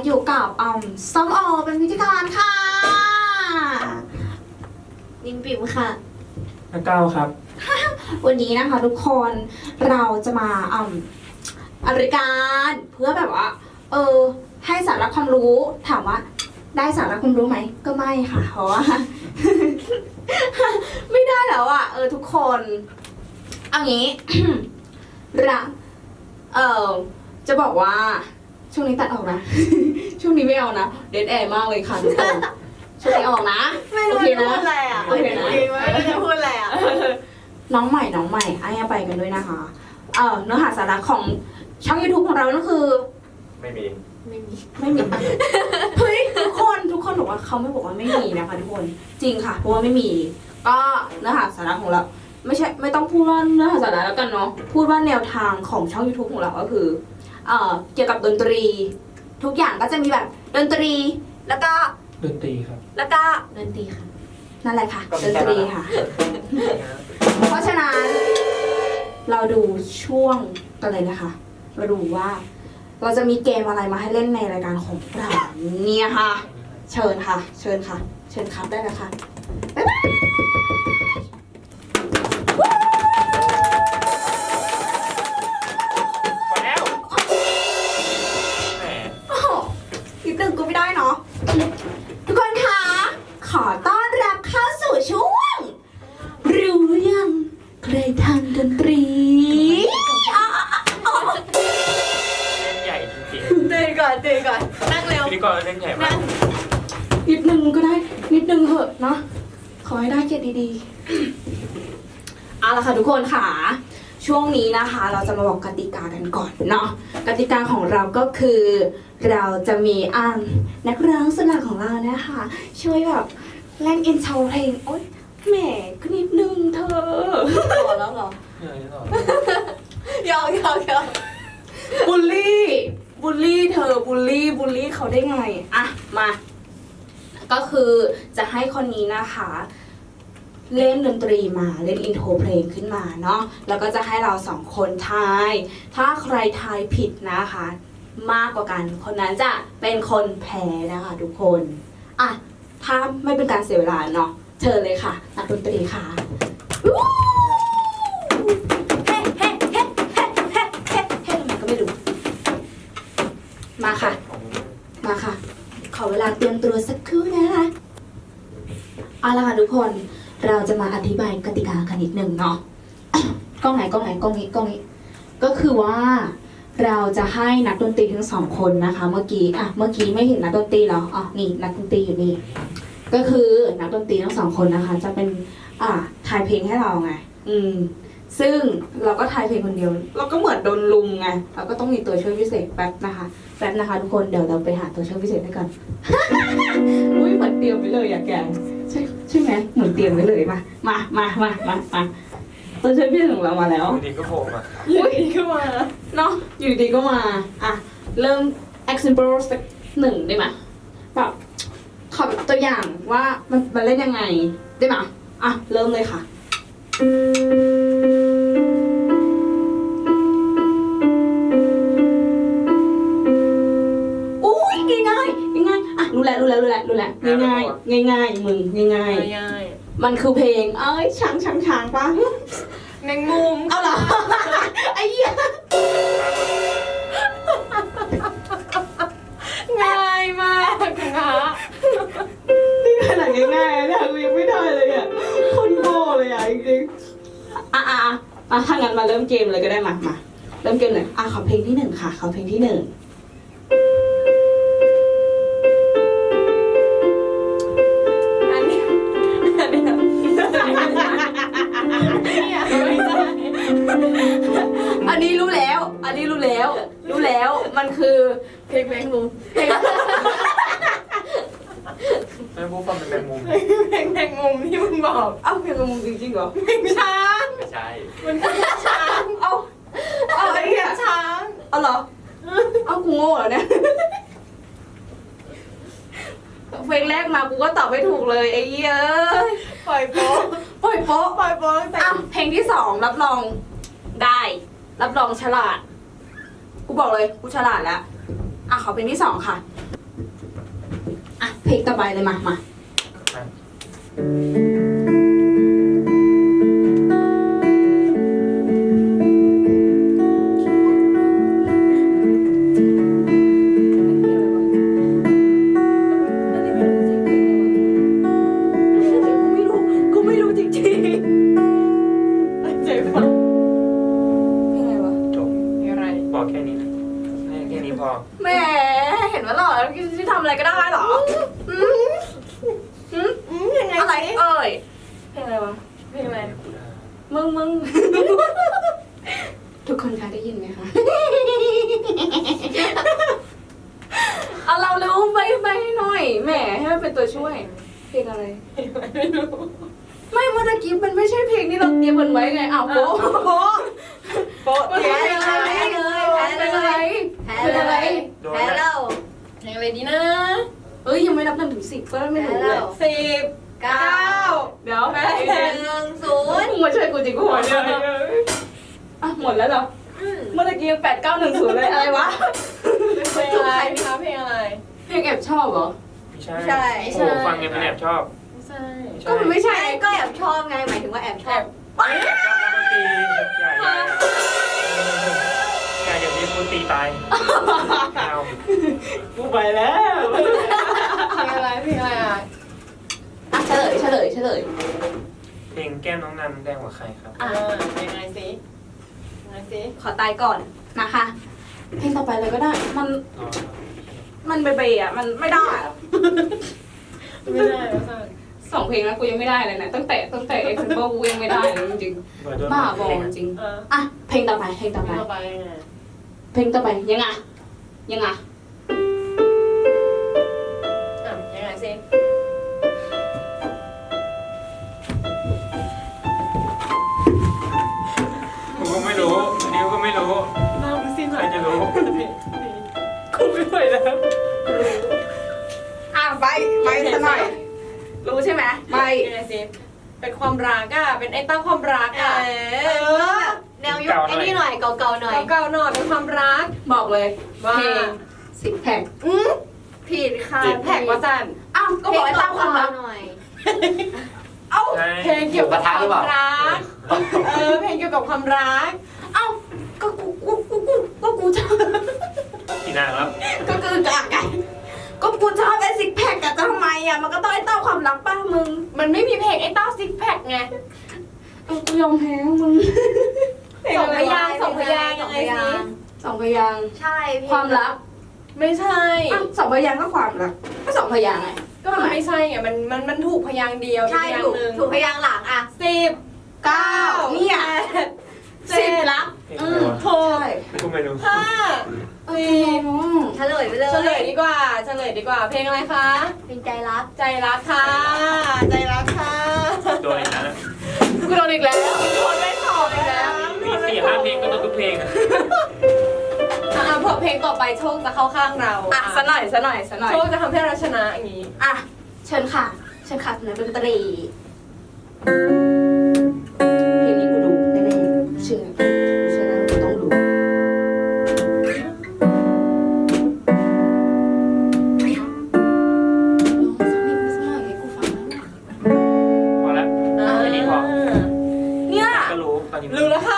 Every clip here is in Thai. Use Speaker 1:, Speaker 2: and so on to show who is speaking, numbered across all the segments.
Speaker 1: อยู่กับส้มโอเป็นพิธีกรค่ะ
Speaker 2: นิมปิ๋มค่ะ
Speaker 3: ก้าวครับ
Speaker 1: วันนี้นะคะทุกคนเราจะมารายการเพื่อแบบว่าให้สาระความรู้ถามว่าได้สาระความรู้ไหมก็ไม่ค่ะเพราะว่า ไม่ได้แล้วอ่ะทุกคนเอางี้ จะบอกว่าช่วงนี้ตัดออกนะ ช่วงนี้ไม่เอานะเดดแอร์มากเลยค่ะทุกคนช่วงนี้ออกนะ
Speaker 2: ไม่รู้จะพูดอะไรอ่ะไม่รู้จะพูดอะไรอ่ะ
Speaker 1: น้องใหม่ไอ้ไปกันด้วยนะคะเนื้อหาสาระของช่อง YouTube ของเรานั่นคือ
Speaker 3: ไม่มี
Speaker 1: เฮ้ยทุกคนบอกว่าเขาไม่บอกว่าไม่มีนะคะทุกคนจริงค่ะเพราะว่าไม่มีก็เนื้อหาสาระของเราไม่ต้องพูดว่าเนื้อหาสาระแล้วกันเนาะพูดว่าแนวทางของช่อง YouTube ของเราก็คือเกี่ยวกับดนตรีทุกอย่างก็จะมีแบบดนตรีแล้วก็
Speaker 3: ดนตรีครับ
Speaker 1: แล้วก็ดนตรีค่ะนั่นแหละค่ะดนตรีค่ะ เพราะฉะนั้นเราดูช่วงกันเลยนะคะเราดูว่าเราจะมีเกมอะไรมาให้เล่นในรายการของเราเนี่ยค่ะเชิญครับได้เลยค่ะบ๊ายบาย
Speaker 3: พอแล้วแหม
Speaker 1: นิดนึงก็ไม่ได้เนาะทุกคนคะขอต้อนรับเข้าสู่ช่วงรู้ยังใครทำดนตรี
Speaker 3: เล่นใหญ่จริง
Speaker 2: ตื่นก่อนนั่งเร็ว
Speaker 3: ๆพิธีกรเล่นใหญ่มาก
Speaker 1: นิดนึงก็ได้นิดนึงเหอะเนาะขอให้ได้เกียรติดีๆเอาละค่ะทุกคนค่ะช่วงนี้นะคะเราจะมาบอกกติกากันก่อนเนาะกติกาของเราก็คือเราจะมีนักร้องสุดหล่อของเรานะคะช่วยแบบเล่นอินโทรเพลงโอ๊ยแหมก็นิดนึงเธอ
Speaker 2: ต่อแล้วเหรอ
Speaker 3: ต่อ
Speaker 2: ยาว
Speaker 1: บูลลี่เธอบูลลี่เขาได้ไงอะมาก็คือจะให้คนนี้นะคะเล่นดนตรีมาเล่นอินโทรเพลงขึ้นมาเนาะแล้วก็จะให้เราสองคนทายถ้าใครทายผิดนะคะมากกว่ากันคนนั้นจะเป็นคนแพ้นะคะทุกคนอ่ะถ้าไม่เป็นการเสียเวลาเนาะเชิญเลยค่ะนักดนตรีค่ะเฮ้ทำไมก็ไม่รู้มาค่ะขอเวลาเตรียมตัวสักครู่นะคะเอาละค่ะทุกคนเราจะมาอธิบายกติกากันนิดนึงเนาะ กล้องนี้ก็คือว่าเราจะให้นักดนตรีทั้งสองคนนะคะเมื่อกี้ไม่เห็นนักดนตรีเหรอนี่นักดนตรีอยู่นี่ก็คือนักดนตรีทั้งสองคนนะคะจะเป็นทายเพลงให้เราไงซึ่งเราก็ทายเพลงคนเดียวเราก็เหมือนโดนลุมไงเราก็ต้องมีตัวช่วยพิเศษแป๊บนะคะทุกคนเดี๋ยวเราไปหาตัวช่วยพิเศษด้วยกัน อุ้ยเหมือนเตรียมไว้เลยอะแกใช่ไหมเหมือนเตรียมไว้เลยมาตัวช่วยพิเศษของเรามาแล้ว
Speaker 3: อยู่ดีก็โผล่มา
Speaker 1: เนาะอยู่ดีก็มาเริ่ม example สักหนึ่งได้ไหมแบบขอตัวอย่างว่ามันเล่นยังไงได้ไหมเริ่มเลยค่ะรู้แล้วง่ายมึงง่ายมันคือเพลงช้างปะ
Speaker 2: แมงมุม
Speaker 1: เอาเหรอไอ้เหี้ย
Speaker 2: ง่ายมากนะ
Speaker 1: นี่ขนาดง่ายๆนะกูยังไม่ได้เลยอ่ะคนโง่เลยอ่ะจริงๆถ้างั้นมาเริ่มเกมเลยก็ได้มาเริ่มเกมเลยขอเพลงที่หนึ่งค่ะขอเพลงที่หนึ่งอันนี้รู้แล้วมันคือ
Speaker 2: เพลงแมงมุม
Speaker 3: แมงมุมฟังเป็นแมงมุม
Speaker 2: เพลงแมงมุมที่มึงบอก
Speaker 1: เพลงแมงมุมจริงๆเหรอ
Speaker 2: เพลงช้าง
Speaker 3: ไม่ใช่
Speaker 2: มันคือช้าง
Speaker 1: ไอ้เหี้ย
Speaker 2: ช้าง
Speaker 1: เหรอกูโง่เหรอเนี่ยเพลงแรกมากูก็ตอบไม่ถูกเลยไอ้เหี้ย
Speaker 2: ปล่อยโป๊ะ
Speaker 1: แต่เพลงที่สองรับรองได้รับรองฉลาดกูบอกเลยกูฉลาดแล้วขอเพลงที่สองค่ะเพลงต่อไปเลยมา
Speaker 3: มา
Speaker 2: กูไม่รู้จริงๆตั้งใจฟัง
Speaker 1: เพลงอะไรวะ
Speaker 3: จบ
Speaker 2: มีอะไร
Speaker 3: บอกแค่นี้นะให้แค่นี้พอ
Speaker 1: แหมเห็นว่าหล่อแล้วจะทำอะไรก็ได้เหรอ
Speaker 2: ยังไง
Speaker 1: อะไร
Speaker 2: สิ
Speaker 1: เอ่ยเพลงอะไรวะ
Speaker 2: เพลงอะไร
Speaker 1: มึง ทุกคนคะได้ยินไหมคะ เอาเราเร็วไปหน่อยแหมให้มันเป็นตัวช่วย เพลงอะไร
Speaker 2: ไม่รู้
Speaker 1: ไม่เมื่อกี้มันไม่ใช่เพลงที่เราเตรียมกันไว้ไงอ้าวโป๊ะ
Speaker 2: โป๊ะ
Speaker 1: มัน
Speaker 2: แพ้
Speaker 1: เป็น
Speaker 2: เล
Speaker 1: อะไร
Speaker 2: ยแพ้เลย
Speaker 1: เป็นอะไร
Speaker 3: โดน
Speaker 2: แพ้
Speaker 3: แล้ว
Speaker 2: แล้วเพลงอะไรดีนะ
Speaker 1: เอ้ยยังไม่นับ1 ถึง 10ก็ไม่รู้เลย
Speaker 2: 10 9
Speaker 1: เดี๋ยว
Speaker 2: 8 1 0
Speaker 1: มึงมาช่วยกูจริงกูหัวเนี่ยอ่ะหมดแล้วเหรอเมื่อกี้8910เลยอะไรวะ
Speaker 2: เพลงอะไรพี่คะเพลงอะไร
Speaker 1: เพลงแอบชอบเหรอ
Speaker 3: ไม่ใช่โอ้โหฟังยังไม่แอบชอบ
Speaker 2: ไม่ใช่
Speaker 1: ก็มันไม่ใช่
Speaker 2: ก็แอบชอบไงหมายถึงว่าแอบชอบ
Speaker 3: แอบชอบนักดนตรีอย่าอย่างนี้กูตีตายเอากูไปแล้ว
Speaker 2: เพลงอะไรเพลงอะไรอ่ะ
Speaker 1: อ่ะเฉลย
Speaker 3: เพลงแก้มน้องนันแดงกว่าใครครับ
Speaker 2: ยังไงสิยังไงสิ
Speaker 1: ขอตายก่อนนะคะ เพลงต่อไปเลยก็ได้ มันเบย์อ่ะมันไม่ได้อะ
Speaker 2: ไม่ได้ไม่ใช่
Speaker 1: 2 เพลงแล้วกูยังไม่ได้เลยนะตั้งแต่ไอ้ซิมเปิลกูยังไม่ได้เลยจริงๆบ้าบอจริงอ่ะเพลงต่อไป
Speaker 2: เพลงต่อไปไง
Speaker 1: ยังไง
Speaker 2: ยังไงสิ
Speaker 3: กูก็ไม่รู้ดิวก็ไม่รู้
Speaker 2: น้ามึงสิห
Speaker 3: ใค
Speaker 2: น่
Speaker 3: ร
Speaker 2: อย
Speaker 3: จะรู้
Speaker 2: กูไม่ไหวแล้ว
Speaker 1: อ่ะไปซะหน่อยรู้ใช่ไหมไป
Speaker 2: ยังไงสิเป็นความรักอ่ะเป็นไอ้ตั้งความรักอ่ะ
Speaker 4: แนวยุคไอ้นี่หน่อยเก่าๆหน่อย
Speaker 2: เก่าๆหน่อยเป็นความรัก
Speaker 1: บอกเลย
Speaker 2: ว่า
Speaker 1: เพลง10 แผ่น
Speaker 4: ผิดค่ะ
Speaker 2: แท็กว่าจัน
Speaker 1: อ้าวก็บอกให้ตั้งความรัก
Speaker 4: หน่อย
Speaker 1: เอ้า
Speaker 2: เพลงเกี่ยวกับความรักเพลงเกี่ยวกับความรัก
Speaker 1: เอ้าก็กูชอบ
Speaker 3: กี่นางแล้ว
Speaker 1: ก็คือกะไก่ก็กูชอบไอ้10 แผ่นกับจะทำไมอ่ะมันก็ต้องไอ้เต้าความรักป้ามึง
Speaker 2: มันไม่มีเพลงไอ้เต้าซิกแพคไง
Speaker 1: กูยอมแพ้มึง
Speaker 2: สองพยางค์ยังไงสิ
Speaker 1: 2 พยางค์
Speaker 4: ใช่พี่
Speaker 1: ความรัก
Speaker 2: ไม่ใช่
Speaker 1: อ้าว2 พยางค์ก็ความรักก็2 พยางค์ไง
Speaker 2: ก็มันไม่ใช่ไงมันถูกพยางค์เดียว
Speaker 4: ใช่
Speaker 2: อีกอย่าง
Speaker 4: ถูก
Speaker 2: หนึ่ง
Speaker 4: ถูกพยางค์หลังอ่ะ
Speaker 2: 10
Speaker 1: 9เนี่ย 10รัก
Speaker 3: เพลงอะไรวะ
Speaker 1: ใช่
Speaker 3: กูไม่รู้
Speaker 2: 5
Speaker 1: เออ
Speaker 4: เฉลยไปเลย
Speaker 2: เฉลยดีกว่า เพลงอะไรคะ
Speaker 4: เป็นใจรัก
Speaker 2: ใจรักค่ะ ใจรักค่ะ
Speaker 3: โดนอีกแล้วนะ
Speaker 1: กูโดนอีกแล้ว
Speaker 2: คนไม่ตอบเลยนะ
Speaker 3: มี4-5เพลงก็ต้องทุกเพลงอะ
Speaker 2: เผื่อเพลงต่อไปโชคจะเข้าข้างเรา
Speaker 1: อ่ะซะหน่อย
Speaker 2: โชคจะทำให้เราชนะอย่างนี้
Speaker 1: อ่ะเชิญค่ะนักดนตรีเพลงนี้กูดูแน่ๆเชื่อแล้วกูต้องดูสักนิดสักหน่อยให้กูฟังแล้ว
Speaker 3: พอแล้วแค่นี้พอ
Speaker 1: เนี่ย
Speaker 3: ก็รู้ตอนนี้
Speaker 2: รู้แล้วค่ะ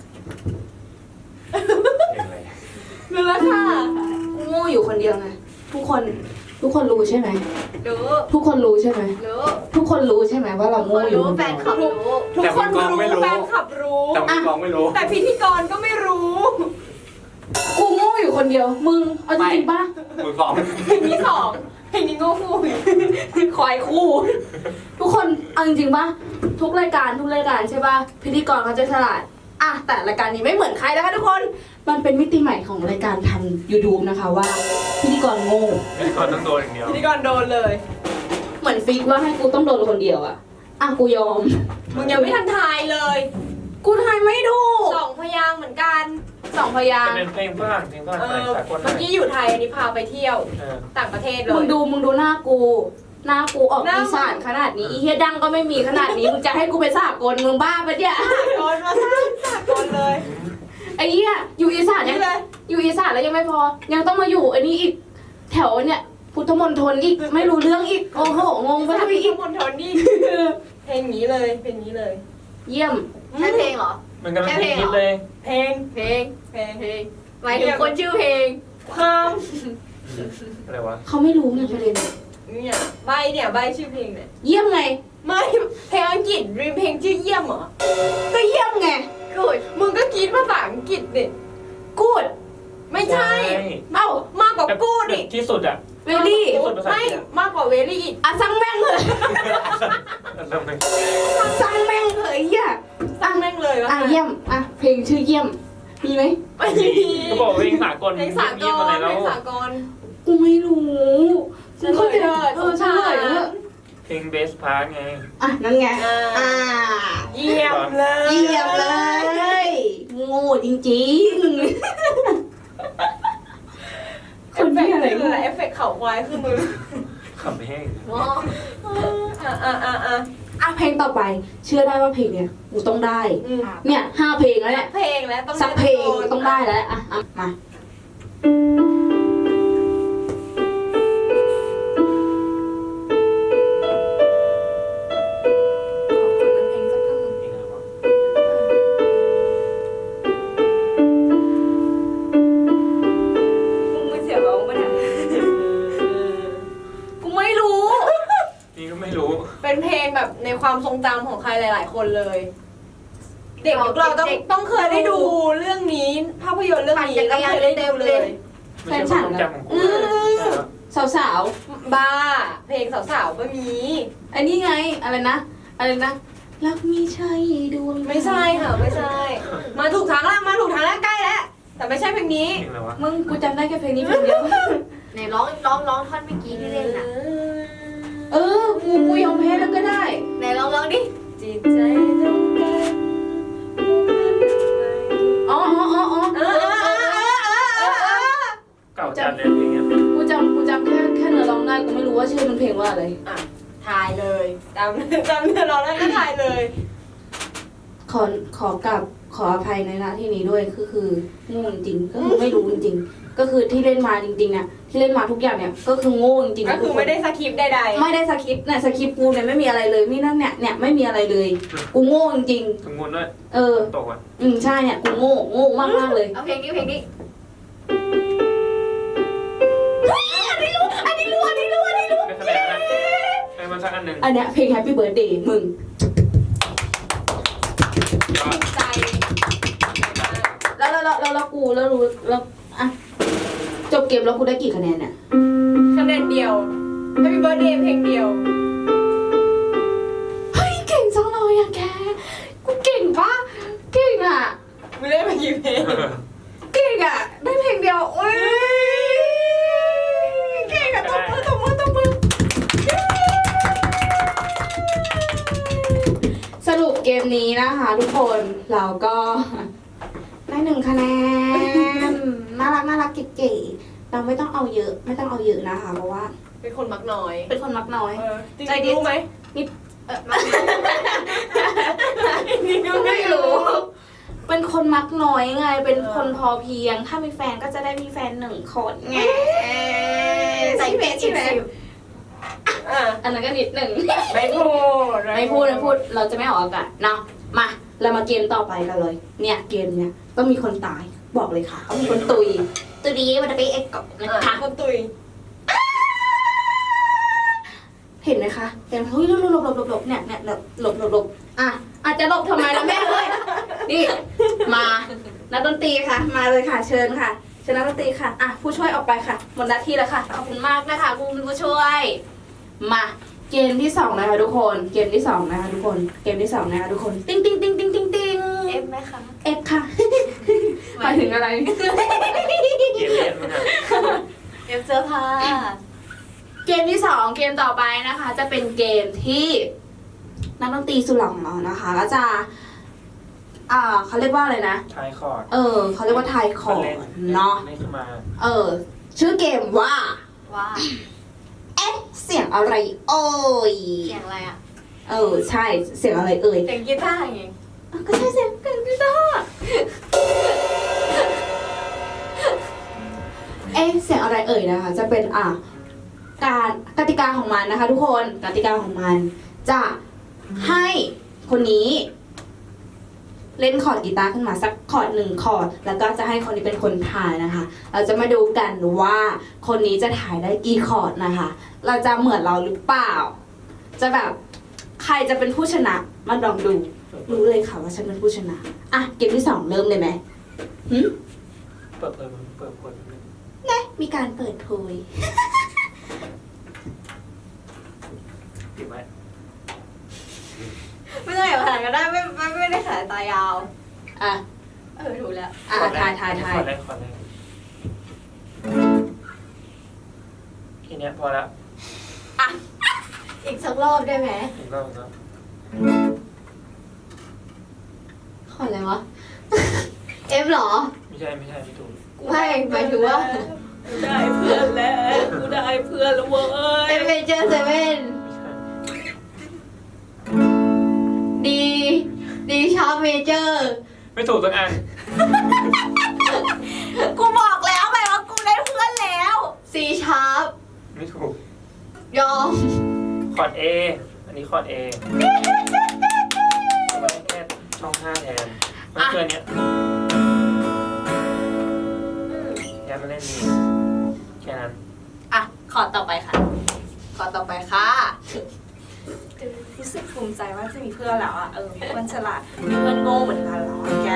Speaker 3: เพลงอะไร
Speaker 2: รู้แล้วค่ะ
Speaker 1: กูโง่อยู่คนเดียวไงทุกคนรู้ใช่ไหม
Speaker 4: รู้
Speaker 1: ทุกคนรู้ใช่ไหม
Speaker 4: รู้
Speaker 1: ทุกคนรู้ใช่ไหมว่าเรา
Speaker 4: ค
Speaker 1: โง่
Speaker 4: น
Speaker 1: อยู่
Speaker 4: รู้
Speaker 1: คน
Speaker 4: แฟ
Speaker 1: เดีย
Speaker 4: น
Speaker 1: ว
Speaker 4: คลับรู้
Speaker 2: ทุกคนรู้แฟนคลับรู้
Speaker 3: แต่มือกลองไม่รู้
Speaker 2: แต่พิธีกรก็ไม่รู้
Speaker 1: กูโง่อยู่คนเดียว มึงเอาจริงๆป่ะ
Speaker 3: มือกลอง
Speaker 2: เพลงที่สองเพลงนี้โง่คู่อีก
Speaker 1: ควายคู่ ทุกคนเอาจริงๆป่ะทุกรายการใช่ป่ะพิธีกรเขาจะฉลาดอ่ะแต่รายการนี้ไม่เหมือนใครนะคะทุกคนมันเป็นมิติใหม่ของรายการทาง YouTube นะคะว่าพิธีกรโง่
Speaker 3: พิธีกรต้องโดนอย่างเดียว
Speaker 2: พิธีกรโดนเลย
Speaker 1: เหมือนฟิกว่าให้กูต้องโดนคนเดียวอะอ่ะกูยอม
Speaker 2: มึงยังไม่ทันทายเลย
Speaker 1: กูทายไม่ถูก
Speaker 2: สองพยางค์เหมือนกัน
Speaker 1: 2 พยางค์
Speaker 3: เป็นเพลงฝรั่งสากล
Speaker 2: เมื่อกี้อยู่ไทยอันนี้พาไปเที่ยว ต่างประเทศเลย
Speaker 1: มึงดูหน้ากูออกอีสานขนาดนี้อีเฮียดังก็ไม่มีขนาดนี้มึงจะให้กูไปสากลมึงบ้าปะเนี่ย
Speaker 2: โดนมาสากลเลย
Speaker 1: ไอ้เหี้ยอยู่อีสาน
Speaker 2: นี่
Speaker 1: ยัง
Speaker 2: เลย
Speaker 1: อยู่อีสานแล้วยังไม่พอ ยังต้องมาอยู่อันนี้อีกแถวเนี่ยพุทธมณฑลอีกไม่รู้เรื่องอีกโอ้โหงงไป
Speaker 2: ถ้า
Speaker 1: ทั้ง
Speaker 2: พี่
Speaker 1: อีก
Speaker 2: มณฑลนี่เพลงนี้เลยเพลงนี้เลย
Speaker 1: เยี่ยม
Speaker 4: ใช่เพลงเหรอ
Speaker 3: มันกำลังฮิตเลย
Speaker 2: เพลง
Speaker 4: เพลง
Speaker 2: เพลง
Speaker 4: เพลงหมายถึงคนชื่อเพลง
Speaker 2: ความ
Speaker 3: อะไรวะ
Speaker 1: เขาไม่รู้ไงประเด็น
Speaker 2: เนี่ยใบเนี่ยใบชื่อเพลงเนี่ย
Speaker 1: เยี่ยมไง
Speaker 2: ไม่เพลงอังกฤษรีเพลงชื่อเยี่ยมเหรอ
Speaker 1: ก็เยี่ยมไง
Speaker 4: กูด
Speaker 2: มึงก็คิดภาษาอังกฤษดิ
Speaker 1: กูด
Speaker 2: ไม่ใช่
Speaker 1: เอ้าม
Speaker 2: ากกว่ากูดิ
Speaker 3: ที่สุดอ่ะ
Speaker 1: เวลี่
Speaker 2: ไม่มากกว่าเวลี่อีก
Speaker 1: อ่ะสั่งแม่งเลย
Speaker 3: ทำไม
Speaker 1: สั่งแม่งเลยอ่ะ
Speaker 2: สร้างแม่งเลยวะ
Speaker 1: อ่ะเยี่ยมอ่ะเพลงชื่อเยี่ยมมีไหม
Speaker 2: ไม่มี
Speaker 3: ก็บอกเพลงสากล
Speaker 2: เพลงสากล
Speaker 3: อะไร
Speaker 2: เพ
Speaker 3: แล้
Speaker 2: ล
Speaker 3: ว
Speaker 2: งสากล
Speaker 1: กูไม่รู้
Speaker 2: เฉลยเถอะ
Speaker 1: เออเฉลยเถอะ
Speaker 3: เพลงเบสพาร์ไง
Speaker 1: อ่ะนั่นไงอ่า
Speaker 2: เยี่ยมเลย
Speaker 1: เยี่ยมเลยโง่จริงๆคนที่อะไร
Speaker 2: คืออะไรเอฟเฟกต์เข่าควายคือมือ
Speaker 3: ขำแห้ง
Speaker 4: ว้าว
Speaker 1: อ่ะเพลงต่อไป เชื่อได้ว่าเพลงเนี้ยกูต้องได้ เนี่ย5 เพลงแล้วเนี่ย
Speaker 2: เพลงแล้วต้อง
Speaker 1: สักเพลงต้องได้แล้วอ่ะอ่ะมามึงไม่เสียร้องปะเนี่ยกูไม่รู้
Speaker 3: นี่ก็ไม่รู้
Speaker 2: เป็นเพลงแบบในความทรงจำของใครหลาย ๆ คนเลย เด็กยุคเราต้องเคยได้ดูเรื่องนี้ภาพยนตร์เรื่องนี้ต้องเคยได้ดูเลย
Speaker 3: ไม่ใช่ความทรงจำของกูเลย
Speaker 1: สาว
Speaker 2: บ้า เพลงสาวๆก็มี
Speaker 1: ๆอันนี้ไงอะไรนะรักมีใช่ดวง
Speaker 2: ไม่ใช่ค่ะไม่ใช่ มาถูกทางแล้วใกล้แล้วแต่ไม่ใช่เพลงนี้
Speaker 3: เพลงอะไรวะ
Speaker 1: มึงกูจำได้แค่เพลงนี้เพลงเดียว
Speaker 4: ไหนร้องท่อนเมื่อกี้ที่เล่นน่ะ
Speaker 1: เออกูยอมแพ้แล้วก็ได้
Speaker 4: ไหนร้องดิ
Speaker 2: จิตใจต้องการ
Speaker 1: อ๋อ
Speaker 3: เก่าจัดเลยเพลงเนี้ย
Speaker 1: กูจำแค่เนื้อร้องได้กูไม่รู้ว่าชื่อมันเพลงว่าอะไร
Speaker 2: อ่ะถ่ายเลยจำเนื้อร้องได้ก็ถ่ายเลย
Speaker 1: ขออภัยในหน้าที่นี้ด้วยคือโง่จริงๆก็คือไม่รู้จริงๆก็คือที่เล่นมาจริงๆเนี่ยที่เล่นมาทุกอย่างเนี่ยก็คือโง่จริงๆ
Speaker 2: ก็คือไม่ได้สคริปต์ใด
Speaker 1: ไม่ได้สคริปต์เนี่ยสคริปต์กูเนี่ยไม่มีอะไรเลยไม่นั่นเนี่ยไม่มีอะไรเลยกูโง่จริง
Speaker 3: ถึงงูด้วย
Speaker 1: ๆเออ
Speaker 3: ตกอ่ะ
Speaker 1: ใช่เนี่ยกูโง่มากๆเลย
Speaker 4: เอาเพลงนี้
Speaker 1: อันนี้รู้
Speaker 3: ได้คะแนนนะให้มันสักอันหนึ่ง
Speaker 1: อันเนี้ยเพลง Happy Birthday มึง
Speaker 3: ยอด
Speaker 2: ๆใจ
Speaker 1: แล้วกูแล้วรู้แล้วอ่ะจบเกมแล้วกูได้กี่คะแนนเนี่ย
Speaker 2: คะแนนเดียว Happy Birthday เพลงเดียว
Speaker 1: เฮ้ยเก่งจังเลยอะแกกูเก่งปะเก่งอะ
Speaker 2: มึงเล่นมากี่เพลง
Speaker 1: เก่งอะได้เพลงเดียวโอ้ยเก่งอะตบมือสรุปเกมนี้นะคะทุกคนเราก็ได้1 คะแนนน่ารักเก๋ๆเราไม่ต้องเอาเยอะนะคะเพราะว่า
Speaker 2: เป็นคนมักน้อย
Speaker 1: เป็นคนมักน้อย
Speaker 2: จริงๆรู้ไหม
Speaker 1: ไม่รู้ เป็นคนมักน้อยไง เป็นคนพอเพียง ถ้ามีแฟนก็จะได้มีแฟน1 คนไง
Speaker 4: ใส่เพลงอีก10
Speaker 2: อ่ะ
Speaker 1: อันนั้นก็นิดหนึ่ง
Speaker 2: ไม่พูด
Speaker 1: ไม่พูด เราจะไม่ออกอากาศเนาะ มา เรามาเกมต่อไปกันเลย เนี่ยเกมเนี้ยต้องมีคนตาย บอกเลยค่ะต้องมีคนตุยตุยมันจะไปเอ็กกับนะคะ
Speaker 2: คนตุย
Speaker 1: เห็นไหมคะเห็นไหมเฮ้ยหลบเนี่ยหลบอ่ะอาจจะหลบทำไมล่ะแม่เลยนี่มานักดนตรีค่ะ มาเลยค่ะ เชิญค่ะเชิญนักดนตรีค่ะอ่ะผู้ช่วยออกไปค่ะหมดหน้าที่แล้วค่ะขอบคุณมากนะคะคุณผู้ช่วย มาเกมที่2นะคะทุกคนเกมที่2นะคะทุกคนเกมที่2นะคะทุกคนติ๊ง
Speaker 4: เอฟไหมคะ
Speaker 1: เอฟค่ะหมายถึงอะไร
Speaker 3: เกมเล่นมันอ่ะ
Speaker 4: เอฟเสื้อผ้า
Speaker 1: เกมที่2เกมต่อไปนะคะ จะเป็นเกมที่นักดนตรีสุเหร่าของเรานะคะก็จะเขาเรียกว่าอะไรนะ
Speaker 3: ทายคอร์ด
Speaker 1: เขาเรียกว่าทายคอร์ดเนาะ
Speaker 3: นี่ขึ้นมา
Speaker 1: ชื่อเกมว่า
Speaker 4: ว่า
Speaker 1: เสียงอะไรเอ่ย
Speaker 4: เสียงอะไรอ่ะ
Speaker 1: ใช่เสียงอะไรเอ่ย
Speaker 2: เสียงกีตาร์ไง
Speaker 1: ก็ใช่เสียงกีตาร์เสียงอะไรเอ่ยนะคะจะเป็นการกติกาของมันนะคะ ทุกคนกติกาของมันจะให้คนนี้เล่นคอร์ดกีตาร์ขึ้นมาสักคอร์ด1 คอร์ดแล้วก็จะให้คนนี้เป็นคนถ่ายนะคะ เราจะมาดูกันว่าคนนี้จะถ่ายได้กี่คอร์ดนะคะ เราจะเหมือนเราหรือเปล่า จะแบบใครจะเป็นผู้ชนะมาลองดูรู้เลยค่ะว่าฉันเป็นผู้ชนะอ่ะเกมที่2เริ่มเลยไหมหึ
Speaker 3: เปิดคน
Speaker 1: นะมีการเปิดโพย
Speaker 3: ติดไหม
Speaker 4: ไม่ต้องอย่าผ่านก็ได้ไม่ได้ขนาดตายาว
Speaker 1: อ่ะ
Speaker 4: ถูกแล้ว
Speaker 1: อ่ะทาย
Speaker 3: ขอแรกทีเนี้ยพอละ
Speaker 4: อีกสักรอบได้ไหม
Speaker 3: อีกรอบแล้ว
Speaker 1: ขออะไรวะ
Speaker 4: เอฟเหรอ
Speaker 3: ไม่ใช่ไม่ถูก
Speaker 4: ไม่หมายถึงว่า
Speaker 2: ได้เพื่อนแล้วกูได้เพื่อนแล้วเว้ย
Speaker 4: เอฟเมเจอร์เซเว่น
Speaker 3: ไม่ใช่
Speaker 4: ดีชาร์ปเมเจอร์
Speaker 3: ไม่ถูกสักอัน
Speaker 2: กูบอกแล้วไงว่ากูได้เพื่อนแล้ว
Speaker 4: ซีชาร์ป
Speaker 3: ไม่ถูก
Speaker 4: ยอม
Speaker 3: คอร์ด A อันนี้คอร์ด A แล้วก็แค่ช่อง5แทนมันคืออันเนี้ยย้ายมาเล่นนี้แค่นั้น
Speaker 2: อ่ะขอต่อไปค่ะ ขอต่อไปค่ะรู้สึกภูมิใจว่าจะมีเพื่อนแล้วอ่ะมีเพื่อนฉลาดมีเพื่อนโง่เหมือนกันแล้วอะแก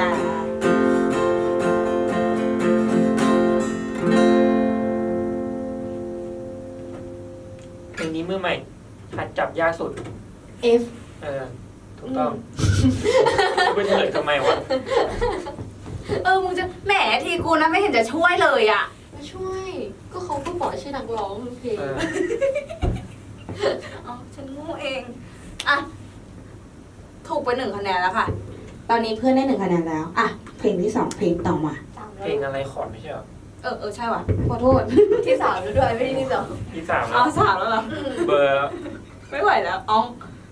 Speaker 3: เพลงนี้มือใหม่หัดจับยากสุด
Speaker 1: F
Speaker 3: ถูกต้องกูไปเฉลยทำไมวะ
Speaker 2: มึงจะแหมทีกูนะไม่เห็นจะช่วยเลยอ่ะ
Speaker 4: มาช่วย ก็เขาก็บอกชื่อนักร้องเพลง
Speaker 2: ฉันโง่เองอ่ะถูกไป1 คะแนนแล้วค่ะ
Speaker 1: ตอนนี้เพื่อนได้1 คะแนนแล้วอ่ะเพลงที่2เพลงต่อมา
Speaker 3: เพลงอะไรคอร์ดไม่ใช่เหรอ
Speaker 2: ใช่ว่ะขอโทษ
Speaker 4: ที่3แล้วด้วยไม่ได้ที่2
Speaker 3: ที่3แล้
Speaker 2: เอา
Speaker 3: ว
Speaker 2: 3แล้วเหรอ
Speaker 3: เบอร์
Speaker 2: ไม่ไหวแล้วอ๋อง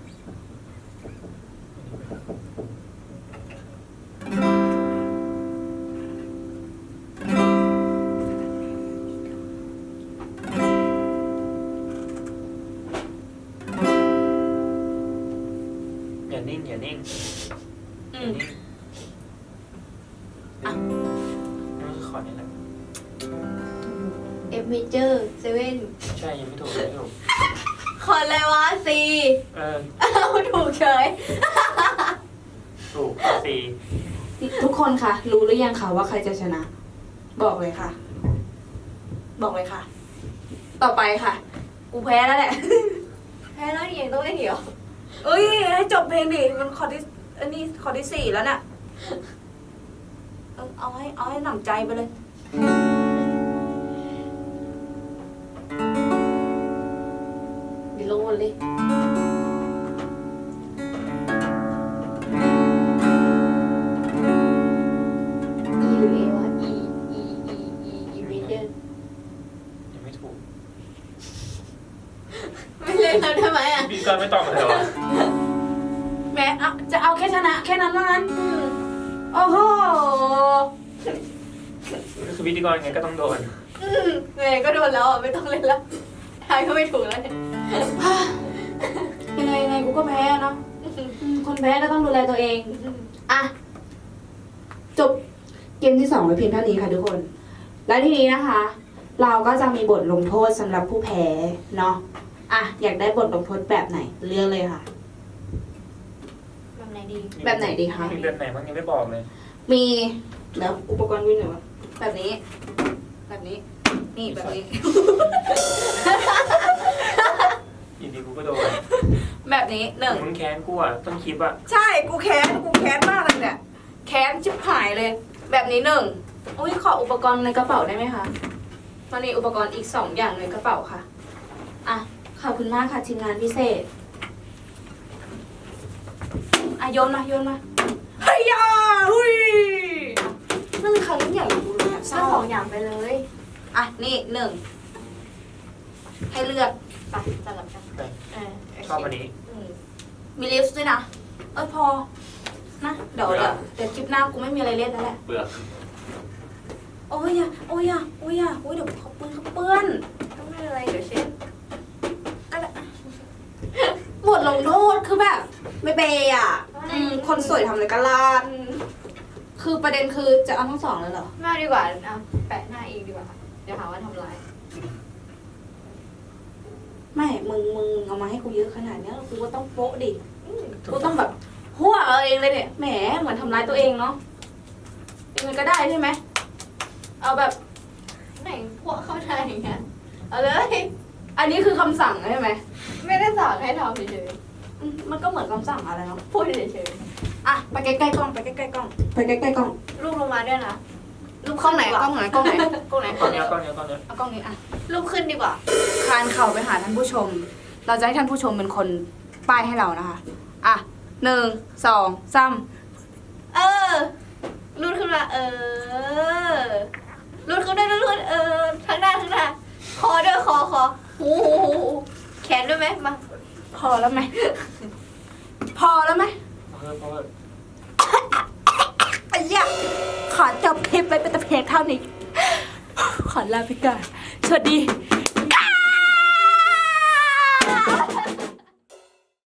Speaker 3: อย่านิ่งอย่านิ่ง
Speaker 2: อืม
Speaker 3: อย่านิ่งนั่นคือคอร์ดนี่แหละ
Speaker 4: เอฟเมเจอร์เซเว่น
Speaker 3: ใช่ยังไม่ถูก
Speaker 4: คอนอะไรวะซี ถูกเฉย
Speaker 3: ถูกคอร์ด C
Speaker 1: ทุกคนคะรู้หรือยังคะว่าใครจะชนะ บอกเลยค่ะ
Speaker 2: บอกเลยค่ะ ต่อไปค่ะ กูแพ้แล้วแหละ
Speaker 4: แพ้แล้วยังต้องเล่นอีกเหรอ
Speaker 2: ให้จบเพลงดิ มันคอร์ดที่อันนี้คอร์ดที่4แล้วน่ะเอาให้หนำใจไปเลย
Speaker 4: มีโลนเลย E หรือ A วะ Eเมเจอร์
Speaker 3: ยังไม่ถูก
Speaker 4: ไม่เล่นแล้วได้ไหมอ่ะ
Speaker 3: พี่ก็ไม่ตอบมาเลยวะ
Speaker 1: แม่จะเอาแค่ชนะ แค่นั้นว่างั้นโอ้โห
Speaker 3: ก็คือพิธีกรไงก็ต้องโดน
Speaker 4: เมย์ก็โดนแล้วอ่ะไม่ต้องเล่นแล้วทายก็ไม่ถูกแล้วเนี่ย
Speaker 1: ยังไงกูก็แพ้เนาะคนแพ้ก็ต้องดูแลตัวเองอ่ะจบเกมที่2ไว้เพียงเท่านี้ค่ะทุกคน และทีนี้นะคะ เราก็จะมีบทลงโทษสำหรับผู้แพ้เนาะอ่ะอยากได้บทลงโทษแบบไหนเลือกเลยค่ะ
Speaker 4: แบบไหนดี
Speaker 1: แบบไหนดีคะ
Speaker 3: มีแบบไหนบ้างยังไม่บอกเลย
Speaker 1: มีแล้วอุปกรณ์วิ่งหน่อยวะ
Speaker 2: แบบนี้ แบบนี้ นี่แบบนี้
Speaker 3: อยู่ดีกูก็โดน
Speaker 2: แบบนี้1
Speaker 3: มึงแค้นกูอ่ะต้นคลิปอ่ะ
Speaker 2: ใช่ กูแค้นมากเลยเนี่ย แค้นชิบหายเลย แบบนี้1
Speaker 1: โอ้ยขออุปกรณ์ในกระเป๋าได้ไหมคะมันมีอุปกรณ์อีก2อย่างในกระเป๋าค่ะอ่ะขอบคุณมากค่ะทีมงานพิเศษอ่ะโยนมา
Speaker 2: เฮียหุยนั่นคือครั้งใหญ่กูเลยอะ
Speaker 4: สร้างของอย่างไปเลย
Speaker 2: อ่ะ นี่1 ให้เลือก
Speaker 4: ไปสลับกัน
Speaker 3: ไป
Speaker 4: โเค
Speaker 3: ชอบอันนี้
Speaker 2: มีลิฟต์ด้วยนะ พอ นะ เดี๋ยวคลิปหน้ากูไม่มีอะไรเล่นแล้วแหละ
Speaker 3: เบื่อ
Speaker 2: โอ้ยเดี๋ยวเขาเปื้อน
Speaker 4: ก็ไม่เป็นไรเดี๋ยวเช็ด
Speaker 2: ลงโทษคือแบบ ไม่เปย์อ่ะคนสวยทำอะไรกันล่ะคือประเด็นคือจะเอาทั้งสองเลยเหรอ
Speaker 4: ไม่เอาดีกว่าเอาแปะหน้าเองดีกว่าเดี๋ยวหาว่าทำลาย
Speaker 2: ไม่ มึงเอามาให้กูเยอะขนาดเนี้ยกูก็ต้องโป๊ะดิกูต้องแบบหัวเอาเองเลยเนี่ยแหมเหมือนทำร้ายตัวเองเนาะมันก็ได้ใช่ไหมเอาแบบ
Speaker 4: ไหนพวกเข้าใจอย่างเงี้ย
Speaker 2: เอาเลย อันนี้คือคำสั่งใช่ไหม
Speaker 4: ไม่ได้สั่งให้ทำเฉย
Speaker 2: มันก็เหมือนคำสั่งอะไรเนาะ
Speaker 4: ๆพูดเฉย
Speaker 2: อ่ะไปใกล้ๆกล้องไปใกล้ๆกล้องไปใกล้ๆกล้อง
Speaker 4: ๆรูปลงมาด้วยนะ
Speaker 2: รูปกล้องไหนกล้องไหนกล้องไหนกล้องไหน
Speaker 3: ก้อนเนี้ยก้อนเนี้ยก้อนเนี้ย
Speaker 2: เอากล้องนี้อ่ะ
Speaker 4: รูปขึ้นดีกว่า
Speaker 2: คานเข่าไปหาท่านผู้ชม เราจะให้ท่านผู้ชมเป็นคนป้ายให้เรานะคะ อ่ะ1 2 3
Speaker 4: เออรูดขึ้นมารูดขึ้นได้รูดทั้งหน้าคอด้วยคอหูแขนด้วยไหมมา
Speaker 2: พอแล้วไหม พอแล้วไหม
Speaker 3: เพราะว่า
Speaker 2: ไอ้ยะขอจบคลิปไปเป็นแต่เพียงเท่านี้ ขอลาไปก่อนสวัสดี